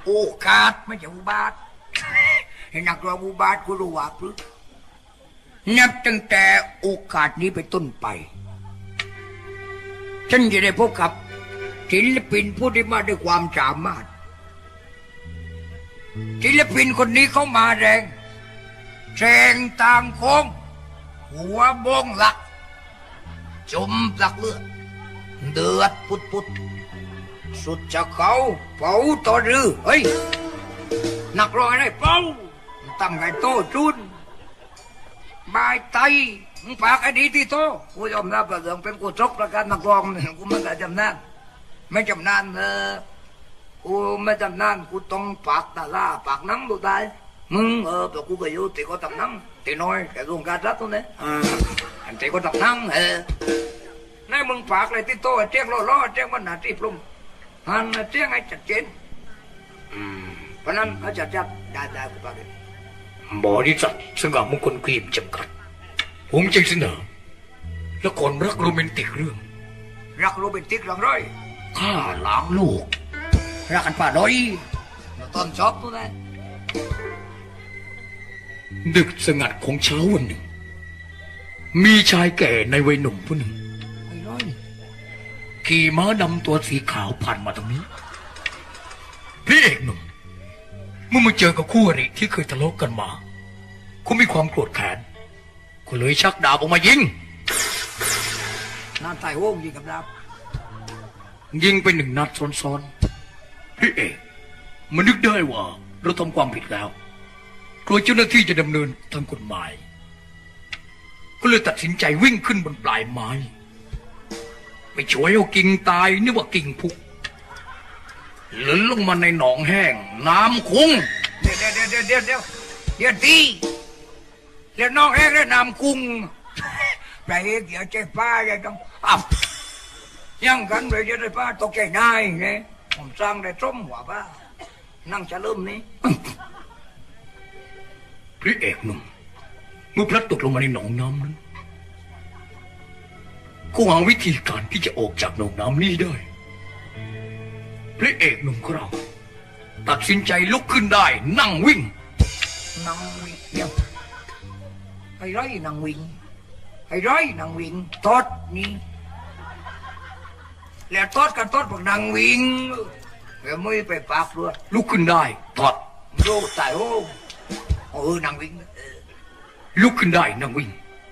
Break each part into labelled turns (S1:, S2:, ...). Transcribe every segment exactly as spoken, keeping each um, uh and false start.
S1: โอกาสไม่ใช่อุบาทให้นักร้องอุบาทกูรู้ว่าพึ่งนับตั้งแต่โอกาสนี้ไปต้นไปฉันจะได้พบกับศิลปินผู้ที่มาด้วยความสามารถศิลปินคนนี้เขามาแรงแสงต่างโค้งหัวบงหลักจมหลักเลือดเดือดปุดปุดสุดจะเขาเป่าต่อรือเฮ้ยนักร้องอะไรเป่าตั้งไงโตจุนบายไตมึงฝากไอ้ดีที่โตกูยอมรับประเดิมเป็นกูจกประกันนักร้องกูไม่ได้จำนานไม่จำนานเออกูไม่จำนานกูต้องฝากตาล่าฝากนังดูได้มึงเออแต่กูก็อยู่ตีก็ทำนังตีน้อยแต่รวมการรัฐตรงนี้อ่าอันตีก็ทำนังเออในมึงฝากอะไรที่โตเจ้งล้อล้อเจ้งมันหนาที่ปรุงหันเจ้งให้ชัดเจนอืมเพราะนั้นเขาจะจัดได้ได้กูฝากเลย
S2: บริษัทสง่ามงคลครีมจำกัดผมจึงเสนอละครรักโรแมนติกเรื่อง
S1: รักโรแมนติกเรื่องไร
S2: ข้าล้างโลก
S1: รักกันป่าดอยตอนชอบตัวนั้น
S2: ดึกสงัดของเช้าวันหนึ่งมีชายแก่ในวัยหนุ่มผู้หนึ่งขี่ม้าดำตัวสีขาวผ่านมาตรงนี้พี่เอกหนุ่มเมื่อมาเจอกับคู่อริที่เคยทะเลาะกันมาเขามีความโกรธแค้นก็เลยชักดาบออกมายิง
S1: น่าตายโว้งยิงกับดาบ
S2: ยิงไปหนึ่งนัดซ้อนๆพี่เอกมันนึกได้ว่าเราทำความผิดแล้วกลัวเจ้าหน้าที่จะดำเนินทางกฎหมายก็เลยตัดสินใจวิ่งขึ้นบนปลายไม้ไปช่วยเอากิ่งตายนึกว่ากิ่งพุกหล่นลงมาในหนองแห้งน้ำคุ้ง
S1: เดี๋ยวเดี๋ยวเดี๋ยวเดี๋ยวเดี๋ยวเดี๋ยวตีเดี๋ยวน้องแห้งแล้วน้ำกุ้งไปเดี๋ยวใจป้าจะต้องอับยังกันเลยจะได้ป้าตกใจนายไงผมสร้างได้ส้มหัวป้านั่งจะเริ่มนี้
S2: พระเอกหนุ่มเมื่อพลัดตกลงมาในหนองน้ำนั้นก็หาวิธีการที่จะออกจากหนองน้ำนี้ได้พระเอกหนุ่มของเราตัดสินใจลุกขึ้นได้นั่งวิ่ง
S1: นั่งวิ่งเดียวไอ้ร้อยนั่งวิ่งไอ้ร้อยนั่งวิ่งทอดนี่แล้วทอดกันทอดพวกนั่งวิ่งแล้วไม่ไปปากด้วย
S2: ลุกขึ้นได้ทอด
S1: โย่ตายโอ้เออนั่งวิ่ง
S2: ลุกขึ้นได้นั่งวิ่ง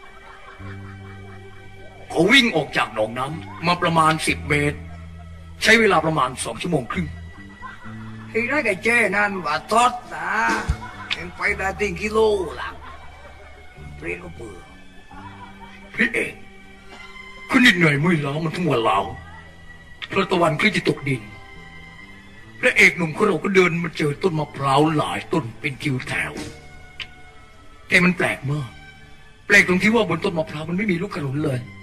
S2: เขาวิ่งออกจากหนองน้ำมาประมาณสิบเมตรใช้เวลาประมาณสองชั่วโมงครึ่ง
S1: ไอ้ได้แก่เจ้นั่นว่าทอดนะยังไปได้ถึงกิโลหลังเปรี้ยก็เปื่อ
S2: พี่เอกคุณเหนื่อยไม่ล้ามันทั้งวันเหลาพระตะวันก็จะตกดินพระเอกหนุ่มของเราก็เดินมาเจอต้นมะพร้าวหลายต้นเป็นคิวแถวแต่มันแปลกมากแปลกตรงที่ว่าบนต้นมะพร้าวมันไม่มีลูกขนุนเลย